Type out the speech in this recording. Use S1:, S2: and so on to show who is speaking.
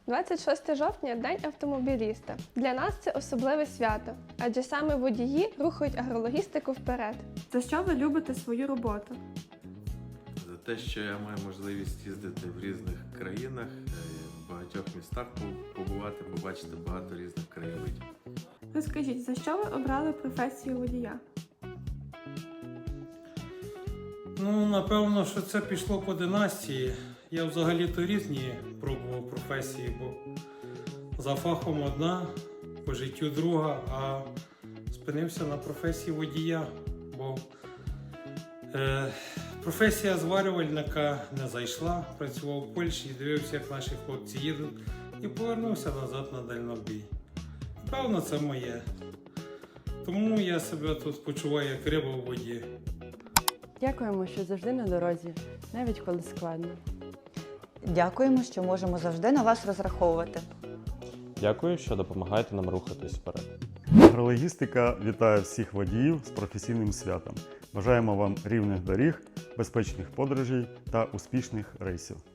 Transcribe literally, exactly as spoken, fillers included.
S1: двадцять шосте жовтня – День автомобіліста. Для нас це особливе свято, адже саме водії рухають агрологістику вперед.
S2: За що ви любите свою роботу?
S3: За те, що я маю можливість їздити в різних країнах, в багатьох містах побувати, побачити багато різних краєвидів.
S2: Розкажіть, за що ви обрали професію водія?
S4: Ну, напевно, що це пішло по династії. Я взагалі-то різні пробував професії, бо за фахом одна, по життю друга, а спинився на професії водія, бо е, професія зварювальника не зайшла, працював в Польщі, дивився, як наші хлопці їдуть, і повернувся назад на дальнобій. Певно, це моє. Тому я себе тут почуваю як риба в воді.
S5: Дякуємо, що завжди на дорозі, навіть коли складно.
S6: Дякуємо, що можемо завжди на вас розраховувати.
S7: Дякую, що допомагаєте нам рухатись вперед.
S8: Агрологістика вітає всіх водіїв з професійним святом. Бажаємо вам рівних доріг, безпечних подорожей та успішних рейсів.